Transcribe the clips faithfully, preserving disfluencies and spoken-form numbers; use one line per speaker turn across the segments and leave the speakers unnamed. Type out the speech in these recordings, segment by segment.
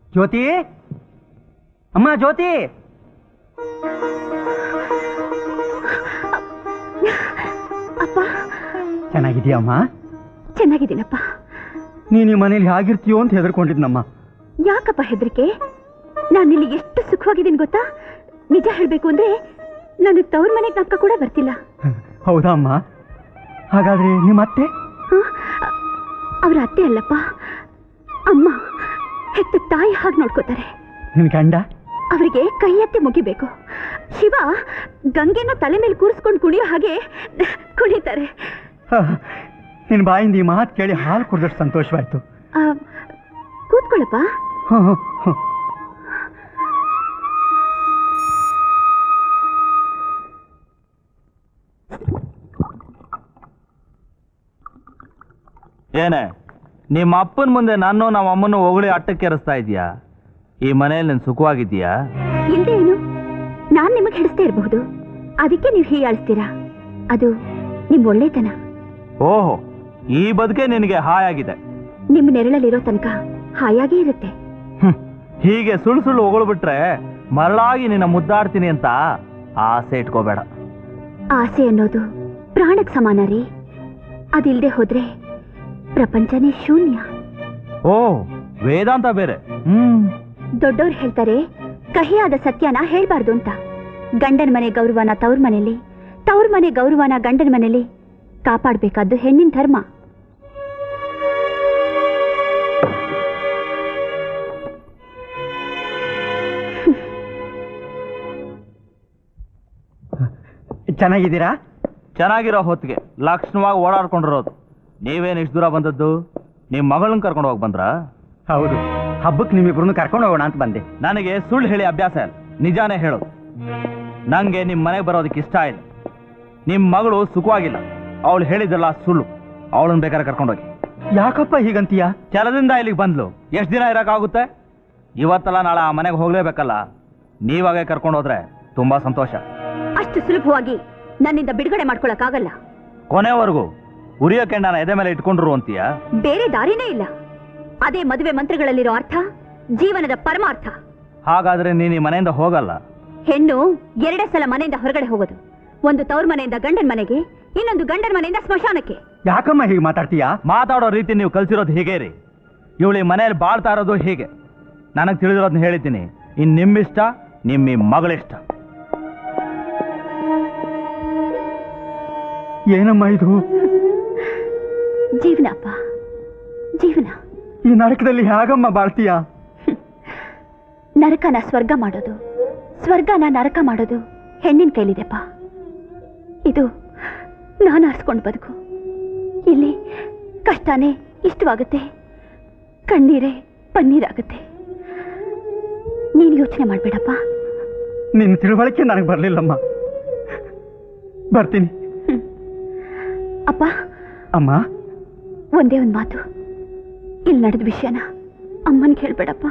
ಜ್ಯೋತಿ, ಅಮ್ಮ ಜ್ಯೋತಿ.
ಅಪ್ಪ
ಚೆನ್ನಾಗಿದೀಯಮ್ಮ?
ಚೆನ್ನಾಗಿದ್ದೀನಪ್ಪ.
ನೀನು ಈ ಮನೇಲಿ ಹೇಗಿರ್ತೀಯೋ ಅಂತ ಹೆದರ್ಕೊಂಡಿದ್ನಮ್ಮ.
ಯಾಕಪ್ಪ ಹೆದರಿಕೆ? ನಾನಿಲ್ಲಿ ಎಷ್ಟು ಸುಖವಾಗಿದ್ದೀನಿ ಗೊತ್ತಾ? ನಿಜ ಹೇಳ್ಬೇಕು ಅಂದ್ರೆ ನನಗೆ ತವ್ರ ಮನೆಗೆ ಜ್ಞಾಪಕ ಕೂಡ ಬರ್ತಿಲ್ಲ.
ಹೌದಾ ಅಮ್ಮ? ಹಾಗಾದ್ರೆ ನಿಮ್ಮ ಅತ್ತೆ?
ಅವ್ರ ಅತ್ತೆ ಅಲ್ಲಪ್ಪ, ಅಮ್ಮ. ಹೆತ್ತ ತಾಯಿ ಹಾಗೆ ನೋಡ್ಕೋತಾರೆ.
ನಿನ್ ಗಂಡ?
ಅವರಿಗೆ ಕೈ ಎತ್ತಿ ಮುಗಿಬೇಕು. ಶಿವ ಗಂಗೆನ ತಲೆ ಮೇಲೆ ಕೂರಿಸ್ಕೊಂಡು ಕುಣಿಯೋ ಹಾಗೆ ಕುಣಿತಾರೆ.
ನಿನ್ ಬಾಯಿಂದ ಈ ಮಾತು ಕೇಳಿ ಹಾಲು ಕುಡಿದಷ್ಟು ಸಂತೋಷವಾಯ್ತು.
ಕೂತ್ಕೊಳ್ಳಪ್ಪ.
ಏನೇ ನಿಮ್ಮ ಅಪ್ಪನ ಮುಂದೆ ನಾನು ನಮ್ಮ ಅಮ್ಮನ ಹೊಗಳಿ ಅಟ್ಟಕ್ಕೇರಿಸ್ತಾ ಇದೀಯಾ? ಈ ಮನೆಯಲ್ಲಿ ನೀನು ಸುಖವಾಗಿದ್ದೀಯಾ?
ಇಲ್ದೇ ಏನು, ನಾನ್ ನಿಮಗೆ ಹಿಡಿಸ್ತೇ ಇರಬಹುದು, ಅದಕ್ಕೆ ನೀವು ಹೀಯಾಳಿಸ್ತೀರಾ. ಅದು ನಿಮ್ ಒಳ್ಳೆತನ.
ಓಹೋ, ಈ ಬದುಕೆ ನಿನಗೆ ಹಾಯಾಗಿದೆ.
ನಿಮ್ಮ ನೆರಳಲ್ಲಿರೋ ತನಕ ಹಾಯಾಗೇ ಇರುತ್ತೆ.
ಹೀಗೆ ಸುಳ್ಳು ಸುಳ್ಳು ಹೊಗಳ್ಬಿಟ್ರೆ ಮರಳಾಗಿ ನಿನ್ನ ಮುದ್ದಾಡ್ತೀನಿ ಅಂತ ಆಸೆ ಇಟ್ಕೋಬೇಡ.
ಆಸೆ ಅನ್ನೋದು ಪ್ರಾಣಕ್ಕೆ ಸಮಾನ ರೀ. ಅದಿಲ್ದೆ ಹೋದ್ರೆ ಪ್ರಪಂಚನೇ ಶೂನ್ಯ.
ಓ, ವೇದಾಂತ ಬೇರೆ. ಹ್ಮ್
ದೊಡ್ಡವ್ರು ಹೇಳ್ತಾರೆ ಕಹಿಯಾದ ಸತ್ಯನ ಹೇಳ್ಬಾರ್ದು ಅಂತ. ಗಂಡನ ಮನೆ ಗೌರವನ ತವ್ರ ಮನೆಯಲ್ಲಿ, ತವ್ರ ಮನೆ ಗೌರವನ ಗಂಡನ ಮನೆಯಲ್ಲಿ ಕಾಪಾಡಬೇಕಾದ್ದು ಹೆಣ್ಣಿನ ಧರ್ಮ.
ಚೆನ್ನಾಗಿದ್ದೀರಾ?
ಚೆನ್ನಾಗಿರೋ ಹೊತ್ತಿಗೆ ಲಕ್ಷಣವಾಗಿ ಓಡಾಡ್ಕೊಂಡಿರೋದು. ನೀವೇನು ಇಷ್ಟು ದೂರ ಬಂದದ್ದು? ನಿಮ್ಮ ಮಗಳನ್ನ ಕರ್ಕೊಂಡು ಹೋಗಿ ಬಂದ್ರಾ?
ಹೌದು, ಹಬ್ಬಕ್ಕೆ ನಿಮ್ಮಿಬ್ರನ್ನು ಕರ್ಕೊಂಡು ಹೋಗೋಣ ಅಂತ ಬಂದೆ.
ನನಗೆ ಸುಳ್ಳು ಹೇಳಿ ಅಭ್ಯಾಸ ಇಲ್ಲ, ನಿಜಾನೇ ಹೇಳೋದು. ನಂಗೆ ನಿಮ್ಮ ಮನೆಗೆ ಬರೋದಕ್ಕೆ ಇಷ್ಟ ಇಲ್ಲ. ನಿಮ್ಮ ಮಗಳು ಸುಖವಾಗಿಲ್ಲ, ಅವಳು ಹೇಳಿದ್ದಲ್ಲ ಸುಳ್ಳು. ಅವಳನ್ನ ಬೇಕಾದ್ರೆ ಕರ್ಕೊಂಡೋಗಿ.
ಯಾಕಪ್ಪ ಹೀಗಂತೀಯ?
ಕೆಲದಿಂದ ಇಲ್ಲಿಗೆ ಬಂದ್ಲು, ಎಷ್ಟು ದಿನ ಇರೋಕ್ಕಾಗುತ್ತೆ? ಇವತ್ತಲ್ಲ ನಾಳೆ ಆ ಮನೆಗೆ ಹೋಗ್ಲೇಬೇಕಲ್ಲ. ನೀವಾಗೆ ಕರ್ಕೊಂಡು ಹೋದ್ರೆ ತುಂಬಾ ಸಂತೋಷ.
ಅಷ್ಟು ಸುಲಭವಾಗಿ ನನ್ನಿಂದ ಬಿಡುಗಡೆ ಮಾಡ್ಕೊಳಕ್ಕಾಗಲ್ಲ.
ಕೊನೆವರೆಗೂ ಉರಿಯೋ ಕೆಂಡನ ಎದೆ ಮೇಲೆ ಇಟ್ಕೊಂಡ್ರು ಅಂತೀಯ?
ಬೇರೆ ದಾರಿನೇ ಇಲ್ಲ. ಅದೇ ಮದುವೆ ಮಂತ್ರಗಳಲ್ಲಿರೋ ಅರ್ಥ, ಜೀವನದ ಪರಮಾರ್ಥ.
ಹಾಗಾದ್ರೆ ನೀನು ಈ ಮನೆಯಿಂದ ಹೋಗಲ್ಲ?
ಹೆಣ್ಣು ಎರಡೇ ಸಲ ಮನೆಯಿಂದ ಹೊರಗಡೆ ಹೋಗೋದು. ಒಂದು ತವ್ರ ಮನೆಯಿಂದ ಗಂಡನ ಮನೆಗೆ, ಇನ್ನೊಂದು ಗಂಡನ ಮನೆಯಿಂದ ಸ್ಮಶಾನಕ್ಕೆ.
ಯಾಕಮ್ಮ ಹೀಗೆ ಮಾತಾಡ್ತೀಯಾ?
ಮಾತಾಡೋ ರೀತಿ ನೀವು ಕಲ್ಸಿರೋದು ಹೀಗೆ ರೀ. ಇವಳು ಈ ಮನೆಯಲ್ಲಿ ಬಾಳ್ತಾ ಇರೋದು ಹೀಗೆ. ನನಗೆ ತಿಳಿದಿರೋದನ್ನ ಹೇಳಿದ್ದೀನಿ. ಇನ್ ನಿಮ್ಮಿಷ್ಟ, ನಿಮ್ಮ ಈ ಮಗಳಿಷ್ಟ.
ಏನಮ್ಮ ಇದು?
ಜೀವನ ಅಪ್ಪ, ಜೀವನ.
ಈ ನರಕದಲ್ಲಿ ಹೇಗಮ್ಮ ಬಾಳ್ತೀಯಾ?
ನರಕನ ಸ್ವರ್ಗ ಮಾಡೋದು, ಸ್ವರ್ಗನ ನರಕ ಮಾಡೋದು ಹೆಣ್ಣಿನ ಕೈಲಿದೆಪ್ಪ. ಇದು ನಾನು ಆರಿಸ್ಕೊಂಡು ಬದುಕು. ಇಲ್ಲಿ ಕಷ್ಟನೇ ಇಷ್ಟವಾಗುತ್ತೆ, ಕಣ್ಣೀರೇ ಪನ್ನೀರಾಗುತ್ತೆ. ನೀನು ಯೋಚನೆ ಮಾಡಬೇಡಪ್ಪ.
ನಿನ್ನ ತಿಳುವಳಿಕೆ ನನಗೆ ಬರಲಿಲ್ಲಮ್ಮ. ಬರ್ತೀನಿ.
ಅಪ್ಪ.
ಅಮ್ಮ,
ಒಂದೇ ಒಂದು ಮಾತು, ಇಲ್ಲಿ ನಡೆದ ವಿಷಯನ ಅಮ್ಮನಿಗೆ ಹೇಳ್ಬೇಡಪ್ಪ.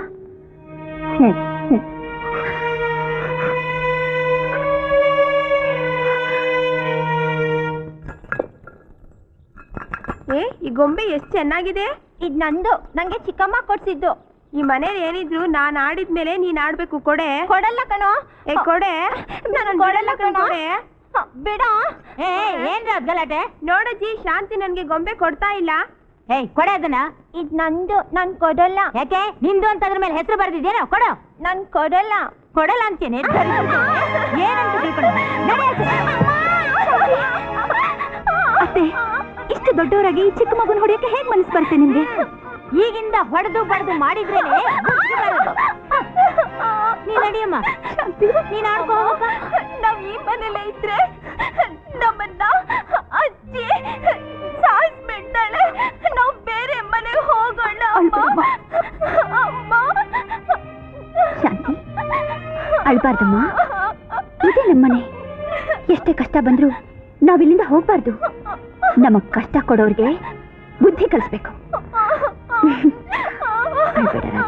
ಏ, ಈ ಗೊಂಬೆ ಎಷ್ಟು ಚೆನ್ನಾಗಿದೆ. ಇದು ನಂದು, ನಂಗೆ ಚಿಕ್ಕಮ್ಮ ಕೊಡ್ಸಿದ್ದು. ಈ ಮನೇಲಿ ಏನಿದ್ರು ನಾನು ಆಡಿದ್ಮೇಲೆ ನೀನ್ ಆಡ್ಬೇಕು. ಕೊಡೆ. ಕೊಡಲ್ಲ ಕಣೋ. ಏ ಕೊಡೆ. ನಾನು ಕೊಡಲ್ಲ ಕಣೋ. ಬಿಡ.
ಏನ್ ಗಲಾಟೆ?
ನೋಡಜ್ಜಿ, ಶಾಂತಿ ನನ್ಗೆ ಗೊಂಬೆ ಕೊಡ್ತಾ ಇಲ್ಲ.
ಏಯ್, ಕೊಡೆ ಅದನ್ನ.
ಇದ್ ನಂದು, ನಾನ್ ಕೊಡಲ್ಲ.
ಯಾಕೆ? ನಿಂದು ಅಂತ ಅದ್ರ ಮೇಲೆ ಹೆಸರು ಬರ್ದಿದ್ದೇನೋ? ಕೊಡು.
ನಾನ್ ಕೊಡಲ್ಲ.
ಕೊಡಲ್ಲ ಅಂತೇನೆ. ಏನಂತ ತಿಳ್ಕೊಂಡು
ಅತ್ತೆ, ಇಷ್ಟು ದೊಡ್ಡವರಾಗಿ ಚಿಕ್ಕ ಮಗುನ ಹೊಡೆಯಕ್ಕೆ ಹೇಗ್ ಮನಸ್ಸು ಬರುತ್ತೆ ನಿಮ್ಗೆ?
ಈಗಿಂದ ಹೊಡೆದು ಬಡ್ದು ಮಾಡಿದ್ರೇನೆ ನೀನ್ ನಡಿಯಮ್ಮ. ನೀನ್ ಆಡ್ಕೋ.
ನಾವ್ ಈ ಮನೇಲೆ ಇದ್ರೆ ನಮ್ಮನ್ನ ಅಜ್ಜಿ ಸಾಯಿಸ್ಬಿಡ್ತಾಳೆ. ನಾವ್ ಬೇರೆ ಮನೆಗೆ ಹೋಗೋಣ. ಅಮ್ಮ,
ಶಾಂತಿ, ಅಳ್ಬಾರ್ದಮ್ಮ. ಇದೇ ನಮ್ಮನೆ. ಎಷ್ಟೇ ಕಷ್ಟ ಬಂದ್ರು ನಾವಿಲ್ಲಿಂದ ಹೋಗ್ಬಾರ್ದು. ನಮಗ್ ಕಷ್ಟ ಕೊಡೋರ್ಗೆ ಬುದ್ಧಿ ಕಲಿಸ್ಬೇಕು. ಅಳ್ಬೇಡ ರಾಜ.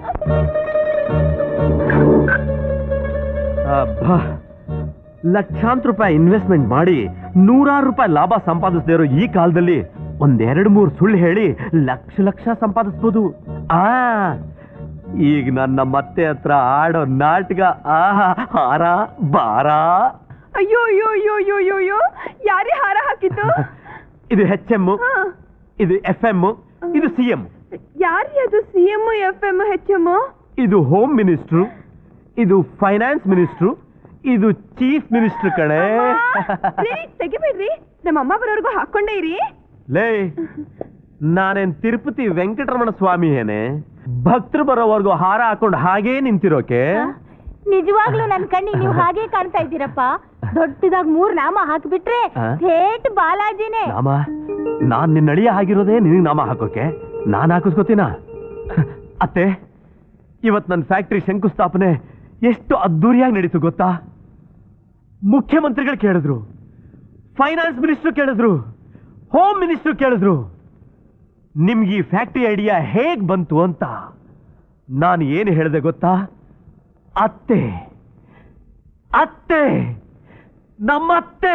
ಲಕ್ಷಾಂತರ ರೂಪಾಯಿ ಇನ್ವೆಸ್ಟ್ಮೆಂಟ್ ಮಾಡಿ ನೂರಾರು ರೂಪಾಯಿ ಲಾಭ ಸಂಪಾದಿಸದೇ ಇರೋ ಈ ಕಾಲದಲ್ಲಿ ಒಂದೆರಡು ಮೂರು ಸುಳ್ಳು ಹೇಳಿ ಲಕ್ಷ ಲಕ್ಷ ಸಂಪಾದಿಸ್ಬೋದು. ಆ ಈಗ ನನ್ನ ಮತ್ತೆ ಹತ್ರ ಆಡೋ ನಾಟಕ ಆಹಾ ಹಾರ ಬಾರ.
ಅಯ್ಯೋ ಅಯ್ಯೋ ಅಯ್ಯೋ ಅಯ್ಯೋ ಅಯ್ಯೋ ಅಯ್ಯೋ ಯಾರೇ ಹಾರ ಹಾಕಿದ್ದು?
ಇದು ಹೆಚ್ ಎಮ್, ಇದು ಎಫ್ ಎಂ, ಇದು ಸಿ ಎಂ.
ಯಾರೇ ಅದು C M F M H M?
ಇದು ಹೋಮ್ ಮಿನಿಸ್ಟ್ರು, ಇದು ಫೈನಾನ್ಸ್ ಮಿನಿಸ್ಟ್ರು, ಇದು ಚೀಫ್ ಮಿನಿಸ್ಟರ್ ಕಣೆ.
ತೆಗಿಬೇಡ್ರಿ, ನಮ್ಮ ಅಮ್ಮ ಬರೋರ್ಗು ಹಾಕೊಂಡೇ ಇರಿ.
ಲೇ, ನಾನೇನ್ ತಿರುಪತಿ ವೆಂಕಟರಮಣ ಸ್ವಾಮಿ ಏನೇ ಭಕ್ತರು ಬರೋವರೆಗೂ ಹಾರ ಹಾಕೊಂಡು ಹಾಗೇ ನಿಂತಿರೋಕೆ?
ನಿಜವಾಗ್ಲೂ ನನ್ ಕಣ್ಣಿಗೆ ನೀವು ಹಾಗೆ ಕಾಣ್ತಾ ಇದ್ದೀರಪ್ಪ. ದೊಡ್ಡದಾಗ್ ಮೂರ್ ನಾಮ ಹಾಕ್ಬಿಟ್ರೆ ಥೇಟ್ ಬಾಲಾಜಿನೇ.
ನಾಮ? ನಾನ್ ನಿನ್ನ ಅಳಿಯ ಆಗಿರೋದೇ ನಿನಗೆ ನಾಮ ಹಾಕೋಕೆ? ನಾನ್ ಹಾಕಿಸ್ಕೋತೀನ? ಅತ್ತೆ, ಇವತ್ ನನ್ನ ಫ್ಯಾಕ್ಟ್ರಿ ಶಂಕುಸ್ಥಾಪನೆ ಎಷ್ಟು ಅದ್ದೂರಿಯಾಗಿ ನಡೀತು ಗೊತ್ತಾ? ಮುಖ್ಯಮಂತ್ರಿಗಳು ಕೇಳಿದ್ರು, ಫೈನಾನ್ಸ್ ಮಿನಿಸ್ಟರ್ ಕೇಳಿದ್ರು, ಹೋಮ್ ಮಿನಿಸ್ಟರ್ ಕೇಳಿದ್ರು, ನಿಮ್ಗೆ ಈ ಫ್ಯಾಕ್ಟ್ರಿ ಐಡಿಯಾ ಹೇಗ್ ಬಂತು ಅಂತ. ನಾನು ಏನು ಹೇಳಿದೆ ಗೊತ್ತಾ? ಅತ್ತೆ ಅತ್ತೆ ನಮ್ಮತ್ತೆ.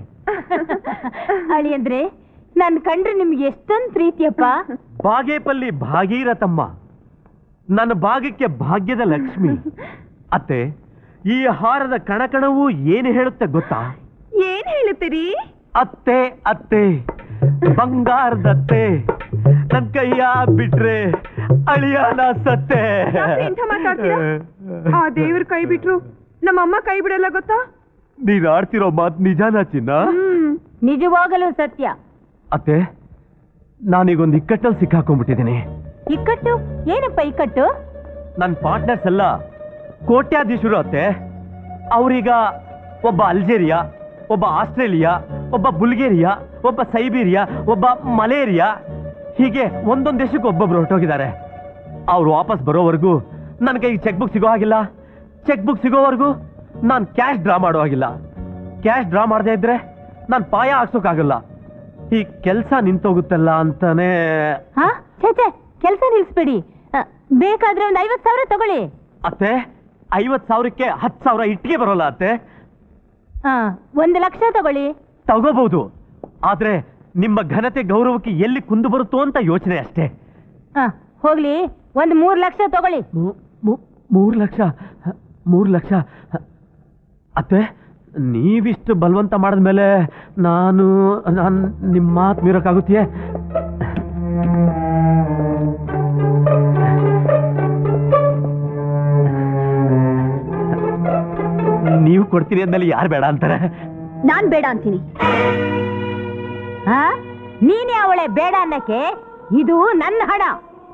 ಅಳಿ ಅಂದ್ರೆ ನನ್ ಕಂಡ್ರೆ ನಿಮ್ಗೆ ಎಷ್ಟೊಂದು ಪ್ರೀತಿಯಪ್ಪ.
ಬಾಗೇಪಲ್ಲಿ ಭಾಗೀರಥಮ್ಮ, ನನ್ನ ಭಾಗಕ್ಕೆ ಭಾಗ್ಯದ ಲಕ್ಷ್ಮಿ. ಅತ್ತೆ, ಈ ಹಾರದ ಕಣಕಣವು ಏನು ಹೇಳುತ್ತೆ ಗೊತ್ತಾ?
ಏನ್ ಹೇಳುತ್ತೀರಿ?
ಅತ್ತೆ ಅತ್ತೆ ಬಂಗಾರದತ್ತೆ, ನನ್ ಕೈಯ ಬಿಟ್ರೆ ಅಳಿಯಾನ ಸತ್ತೆ.
ಎಂಥ ಮಾತಾಡ್ತೀರಾ? ಆ ದೇವ್ರ ಕೈ ಬಿಟ್ರು ನಮ್ಮಮ್ಮ ಕೈ ಬಿಡಲ್ಲ ಗೊತ್ತಾ?
ನೀನ್ ಆಡ್ತಿರೋ ಮಾತ್ ನಿಜಾನ ಚಿನ್ನ?
ನಿಜವಾಗಲೂ ಸತ್ಯ.
ಅತ್ತೆ, ನಾನೀಗೊಂದು ಇಕ್ಕಟ್ಟಲ್ಲಿ ಸಿಕ್ಕಾಕೊಂಡ್ಬಿಟ್ಟಿದ್ದೀನಿ.
ಇಕ್ಕಟ್ಟು? ಏನಪ್ಪ ಇಕ್ಕಟ್ಟು?
ನನ್ನ ಪಾರ್ಟ್ನರ್ಸ್ ಎಲ್ಲ ಕೋಟ್ಯಾಧೀಶರು ಅತ್ತೆ. ಅವ್ರೀಗ ಒಬ್ಬ ಅಲ್ಜೇರಿಯಾ, ಒಬ್ಬ ಆಸ್ಟ್ರೇಲಿಯಾ, ಒಬ್ಬ ಬುಲ್ಗೇರಿಯಾ, ಒಬ್ಬ ಸೈಬೀರಿಯಾ, ಒಬ್ಬ ಮಲೇರಿಯಾ, ಹೀಗೆ ಒಂದೊಂದು ದೇಶಕ್ಕೆ ಒಬ್ಬೊಬ್ರು ಹೊರಟೋಗಿದ್ದಾರೆ. ಅವ್ರು ವಾಪಸ್ ಬರೋವರೆಗೂ ನನ್ನ ಕೈಗೆ ಚೆಕ್ ಬುಕ್ ಸಿಗೋ ಹಾಗಿಲ್ಲ. ಚೆಕ್ ಬುಕ್ ಸಿಗೋವರೆಗೂ ನಾನು ಕ್ಯಾಶ್ ಡ್ರಾ ಮಾಡೋ ಹಾಗಿಲ್ಲ. ಕ್ಯಾಶ್ ಡ್ರಾ ಮಾಡದೇ ಇದ್ರೆ ನಾನು ಪಾಯ ಹಾಕ್ಸೋಕ್ಕಾಗಲ್ಲ. ಈ ಕೆಲಸ ನಿಂತೋಗುತ್ತಲ್ಲ ಅಂತಾನೆ.
ಹಾ ಛೇ, ಕೆಲಸ ನಿಲ್ಸ್ಬೇಡಿ. ಬೇಕಾದ್ರೆ ಒಂದು ಐವತ್ ಸಾವಿರ ತಗೊಳ್ಳಿ.
ಅತ್ತೆ, ಐವತ್ ಸಾವಿರಕ್ಕೆ ಹತ್ತು ಸಾವಿರ ಇಟ್ಟಿಗೆ ಬರೋಲ್ಲ ಅತ್ತೆ.
ಹಾ, ಒಂದು ಲಕ್ಷ ತಗೊಳ್ಳಿ.
ತಗೋಬಹುದು, ಆದ್ರೆ ನಿಮ್ಮ ಘನತೆ ಗೌರವಕ್ಕೆ ಎಲ್ಲಿ ಕುಂದು ಬರುತ್ತೋ ಅಂತ ಯೋಚನೆ ಅಷ್ಟೇ.
ಹಾ, ಹೋಗ್ಲಿ, ಒಂದು ಮೂರ್ ಲಕ್ಷ ತಗೊಳ್ಳಿ.
ಮೂರು ಲಕ್ಷ? ಮೂರು ಲಕ್ಷ? ಅತ್ತೆ, ನೀವಿಷ್ಟು ಬಲವಂತ ಮಾಡಿದ್ಮೇಲೆ ನಾನು ನಾನು ನಿಮ್ಮ ಮಾತು ಮೀರೋಕ್ಕಾಗುತ್ತೆಯೇ? ನೀವು ಕೊಡ್ತೀರಿ ಅಂದ್ಮೇಲೆ ಯಾರು ಬೇಡ ಅಂತಾರೆ?
ನಾನ್ ಬೇಡ ಅಂತೀನಿ.
ಹಾ, ನೀನೇ ಅವಳೆ ಬೇಡ ಅನ್ನಕ್ಕೆ? ಇದು ನನ್ನ ಹಣ.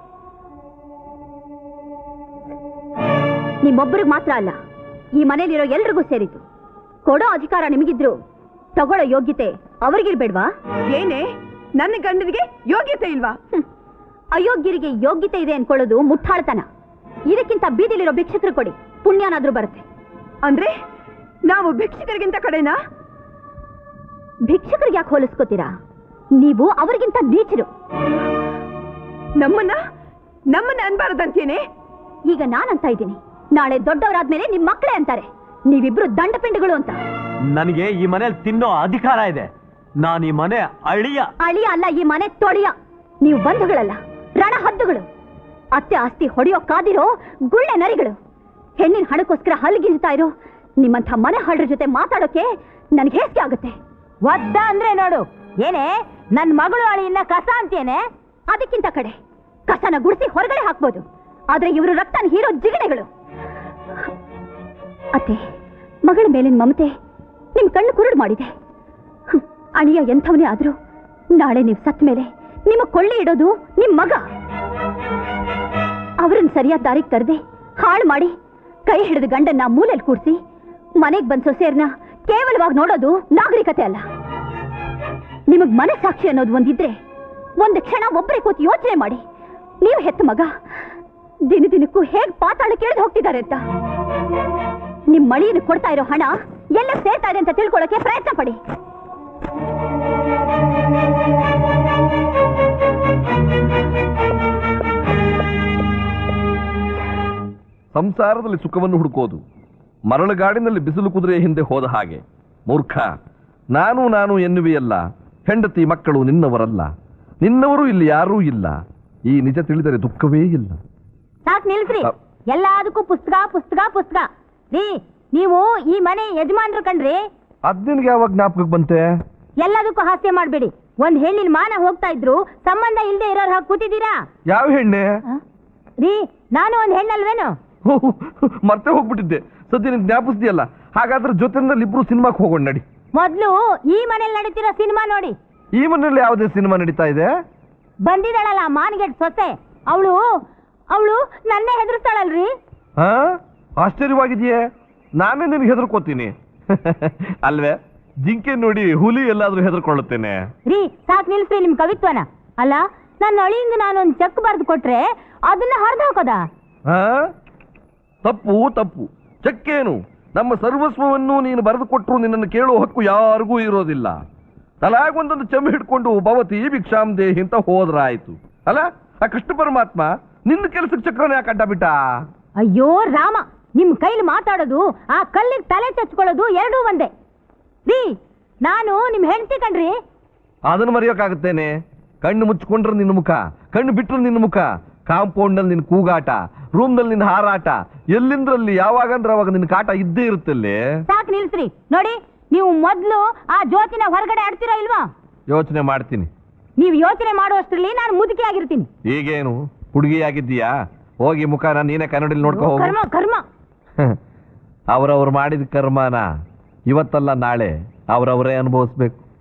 ನಿಮ್ಮೊಬ್ಬರಿಗೆ ಮಾತ್ರ ಅಲ್ಲ, ಈ ಮನೇಲಿರೋ ಎಲ್ರಿಗೂ ಸೇರಿತು. ಕೊಡೋ ಅಧಿಕಾರ ನಿಮಗಿದ್ರು ತಗೊಳ್ಳೋ ಯೋಗ್ಯತೆ ಅವ್ರಿಗಿರ್ಬೇಡ್ವಾ?
ಏನೇ, ನನ್ನ ಗಂಡನಿಗೆ ಯೋಗ್ಯತೆ ಇಲ್ವಾ?
ಅಯೋಗ್ಯರಿಗೆ ಯೋಗ್ಯತೆ ಇದೆ ಅನ್ಕೊಳ್ಳೋದು ಮುಟ್ಟಾಳ್ತನ. ಇದಕ್ಕಿಂತ ಬೀದಿಲಿರೋ ಭಿಕ್ಷಕರು ಕೊಡಿ, ಪುಣ್ಯನಾದ್ರೂ ಬರುತ್ತೆ.
ಅಂದ್ರೆ ನಾವು ಭಿಕ್ಷಕರಿಗಿಂತ ಕಡೆನಾ?
ಭಿಕ್ಷಕರಿಗೆ ಯಾಕೆ ಹೋಲಿಸ್ಕೋತೀರಾ? ನೀವು ಅವರಿಗಿಂತ ನೀಚರು.
ನಮ್ಮನ್ನ ನಮ್ಮನ್ನ ಅನ್ಬಾರದಂತೇನೆ.
ಈಗ ನಾನಂತ ಇದ್ದೀನಿ, ನಾಳೆ ದೊಡ್ಡವರಾದ್ಮೇಲೆ ನಿಮ್ ಮಕ್ಕಳೇ ಅಂತಾರೆ ನೀವಿಬ್ರು ದಂಡಪಿಂಡಗಳು ಅಂತ.
ನನಗೆ ಈ ಮನೇಲಿ ತಿನ್ನೋ ಅಧಿಕಾರ ಇದೆ. ನಾನು ಈ ಮನೆ ಅಳಿಯ.
ಅಳಿಯ ಅಲ್ಲ, ಈ ಮನೆ ತೊಳಿಯ. ನೀವು ಬಂಧುಗಳಲ್ಲ, ರಣ ಹದ್ದುಗಳು. ಅತ್ತೆ ಆಸ್ತಿ ಹೊಡೆಯೋ ಕಾದಿರೋ ಗುಳ್ಳೆ ನರಿಗಳು. ಹೆಣ್ಣಿನ ಹಣಕ್ಕೋಸ್ಕರ ಹಲ್ಗಿಂತಾ ಇರೋ ನಿಮ್ಮಂಥ ಮನೆ ಹಾಳ್ರ ಜೊತೆ ಮಾತಾಡೋಕೆ ನನ್ಗೆ ಹೇಸಿಗೆ ಆಗುತ್ತೆ.
ಒದ್ದ ಅಂದ್ರೆ ನೋಡು, ಏನೇ ನನ್ ಮಗಳು ಅಳಿಯನ್ನ ಕಸ ಅಂತೇನೆ?
ಅದಕ್ಕಿಂತ ಕಡೆ ಕಸನ ಗುಡಿಸಿ ಹೊರಗಡೆ ಹಾಕ್ಬೋದು, ಆದ್ರೆ ಇವರು ರಕ್ತನ ಹೀರೋ ಜಿಗಣೆಗಳು. ಅತ್ತೆ, ಮಗಳ ಮೇಲಿನ ಮಮತೆ ನಿಮ್ ಕಣ್ಣು ಕುರುಡು ಮಾಡಿದೆ. ಅಳಿಯ ಎಂಥವನೇ ಆದ್ರೂ ನಾಳೆ ನೀವು ಸತ್ ಮೇಲೆ ನಿಮ್ಮ ಕೊಳ್ಳಿ ಇಡೋದು ನಿಮ್ ಮಗ. ಅವ್ರನ್ನ ಸರಿಯಾದ ದಾರಿಗೆ ತರದೆ ಹಾಳು ಮಾಡಿ ಕೈ ಹಿಡಿದ ಗಂಡನ್ನ ಮೂಲೆಯಲ್ಲಿ ಕೂರಿಸಿ ಮನೆಗ್ ಬಂದ್ ಸೊಸೆಯರ್ನ ಕೇವಲವಾಗಿ ನೋಡೋದು ನಾಗರಿಕತೆ ಅಲ್ಲ. ನಿಮಗ್ ಮನಸ್ಸಾಕ್ಷಿ ಅನ್ನೋದು ಒಂದಿದ್ರೆ ಒಂದು ಕ್ಷಣ ಒಬ್ಬರೇ ಕೂತು ಯೋಚನೆ ಮಾಡಿ. ನೀವು ಹೆತ್ತ ಮಗ ದಿನ ದಿನಕ್ಕೂ ಹೇಗ್ ಪಾತಾಳ ಕೇಳಿದು ಹೋಗ್ತಿದ್ದಾರೆ ಅಂತ. ನಿಮ್ ಮಳಿಯನ್ನು ಕೊಡ್ತಾ ಇರೋ ಹಣ ಎಲ್ಲ ಸೇರ್ತಾ ಇದೆ ಅಂತ ತಿಳ್ಕೊಳ್ಳೋಕೆ ಪ್ರಯತ್ನ ಪಡಿ.
ಸಂಸಾರದಲ್ಲಿ ಸುಖವನ್ನು ಹುಡುಕೋದು ಮರಳುಗಾಡಿನಲ್ಲಿ ಬಿಸಿಲು ಕುದುರೆಯ ಹಿಂದೆ ಹೋದ ಹಾಗೆ. ಮೂರ್ಖ, ನಾನು ನಾನು ಎನ್ನುವೆಯಲ್ಲ. ಹೆಂಡತಿ ಮಕ್ಕಳು ನಿನ್ನವರಲ್ಲ, ನಿನ್ನವರು ಇಲ್ಲಿ ಯಾರೂ ಇಲ್ಲ. ಈ ನಿಜ ತಿಳಿದರೆ ದುಃಖವೇ ಇಲ್ಲ.
ಸಾಕ್ ನಿಲ್ಸ್ರಿ.
ಅ-
ಎಲ್ಲದಕ್ಕೂ ಪುಸ್ತಕ ಪುಸ್ತಕ ಪುಸ್ತಕ. ರೀ ನೀವು ಈ ಮನೆ ಯಜಮಾನ್ರು ಕಣ್ರಿ.
ಅದ್ ನಿನ್ಗೆ ಯಾವಾಗ ಜ್ಞಾಪಕಕ್ಕೆ ಬಂತೆ?
ಎಲ್ಲದಕ್ಕೂ ಹಾಸ್ಯ ಮಾಡ್ಬೇಡಿ. ಒಂದ್ ಹೆಣ್ಣಿನ ಮಾನ ಹೋಗ್ತಾ ಇದ್ರು ಸಂಬಂಧ ಇಲ್ದೆ ಇರೋರ್ ಹಾಗೆ ಕೂತಿದ್ದೀರಾ?
ಯಾವ ಹೆಣ್ಣೆ?
ರೀ ನಾನು ಒಂದ್ ಹೆಣ್ಣಲ್ವೇನು?
ಮತ್ತೆ ಹೋಗ್ಬಿಟ್ಟಿದ್ದೆ. ಸದ್ಯ ನಿನ್ ಜ್ಞಾಪಿಸ್ದಿಯಲ್ಲ. ಹಾಗಾದ್ರೆ ಜೊತೆನಲ್ಲಿ ಇಬ್ರು ಸಿನಿಮಾಕ್ಕೆ ಹೋಗೋಣ ನಡಿ.
ಮೊದ್ಲು ಈ ಮನೇಲಿ ನಡೀತಿರೋ ಸಿನಿಮಾ ನೋಡಿ.
ಈ ಮನೇಲಿ ಯಾವುದೇ ಸಿನಿಮಾ ನಡೀತಾ ಇದೆ?
ಬಂದಿದ್ದಾಳಲ್ಲ ಮಾನ್ಗೆಟ್ ಸೊಸೆ, ಅವಳು ಅವಳು ನನ್ನೇ ಹೆದರ್ಸ್ತಾಳಲ್ರಿ.
ಹಾ, ಆಶ್ಚರ್ಯವಾಗಿದೆಯೇ? ನಾನೇ ನಿನ್ಗೆ ಹೆದರ್ಕೋತೀನಿ ಅಲ್ವೇ? ಜಿಂಕೆ ನೋಡಿ ಹುಲಿ ಎಲ್ಲಾದ್ರೂ ಹೆದರ್ಕೊಳ್ಳುತ್ತೇನೆ.
ರೀ ಸಾಕ್ ನಿಲ್ಸ್ರಿ ನಿಮ್ ಕವಿತ್ವನ. ಅಲ್ಲ ನನ್ನ ಅಳಿಯಿಂದ ನಾನೊಂದ್ ಚೆಕ್ ಬರ್ದು ಕೊಟ್ರೆ ಅದನ್ನ ಹರಿದು ಹಾಕೋದ?
ಹಾ, ತಪ್ಪು ತಪ್ಪು. ಚೆಕ್ಕೇನು? ನಮ್ಮ ಸರ್ವಸ್ವವನ್ನು ನೀನು ಬರೆದು ಕೊಟ್ಟರು ನಿನ್ನನ್ನು ಕೇಳುವ ಹಕ್ಕು ಯಾರಿಗೂ ಇರೋದಿಲ್ಲ. ತಲಾಗೊಂದೊಂದು ಚೆಂಬು ಹಿಡ್ಕೊಂಡು ಭವತಿ ಭಿಕ್ಷಾಮ್ ದೇಹಿ ಅಂತ ಹೋದ್ರಾಯ್ತು ಅಲ್ಲ? ಆ ಕೃಷ್ಣ ಪರಮಾತ್ಮ ನಿನ್ನ ಕೆಲಸಕ್ಕೆ ಚಕ್ರನ ಯಾಕೆ ಅಡ್ಡ ಬಿಟ್ಟ?
ಅಯ್ಯೋ ರಾಮ, ನಿಮ್ ಕೈಲಿ ಮಾತಾಡೋದು ಆ ಕಲ್ಲಿಗೆ ತಲೆ ಚಚ್ಕೊಳ್ಳೋದು ಎರಡೂ ಒಂದೇ. ರೀ ನಾನು ನಿಮ್ ಹೆಂಡತಿ ಕಣ್ರಿ.
ಅದನ್ನು ಮರೆಯೋಕ್ಕಾಗುತ್ತೇನೆ? ಕಣ್ಣು ಮುಚ್ಕೊಂಡ್ರೆ ನಿನ್ನ ಮುಖ, ಕಣ್ಣು ಬಿಟ್ರೆ ನಿನ್ನ ಮುಖ, ಕಾಂಪೌಂಡ್ನಲ್ಲಿ ನಿನ್ನ ಕೂಗಾಟ, ರೂಮ್ನಲ್ಲಿ ನಿನ್ನ ಹಾರಾಟ, ಎಲ್ಲಿಂದ್ರಲ್ಲಿ ಯಾವಾಗಂದ್ರೆ ಅವಾಗ ನಿನ್ನ ಕಾಟ ಇದ್ದೇ ಇರುತ್ತಲ್ಲಿ.
ಸಾಕ್ ನಿಲ್ಸ್ರಿ. ನೋಡಿ ನೀವು ಮೊದ್ಲು ಆ ಜ್ಯೋತಿನ ಹೊರಗಡೆ ಆಡ್ತಿರೋ ಇಲ್ವಾ?
ಯೋಚನೆ ಮಾಡ್ತೀನಿ.
ನೀವು ಯೋಚನೆ ಮಾಡುವಷ್ಟರಲ್ಲಿ ನಾನು ಮುದುಕಿ ಆಗಿರ್ತೀನಿ.
ಈಗೇನು ಹುಡುಗಿ ಆಗಿದ್ದೀಯಾ? ಹೋಗಿ ಮುಖನ ನೀನೇ ಕನ್ನಡಿಲಿ ನೋಡ್ಕೊ ಹೋಗು.
ಕರ್ಮ ಕರ್ಮ.
ಅವರವ್ರು ಮಾಡಿದ ಕರ್ಮನ ಇವತ್ತಲ್ಲ ನಾಳೆ ಅವರವರೇ ಅನುಭವಿಸ್ಬೇಕು.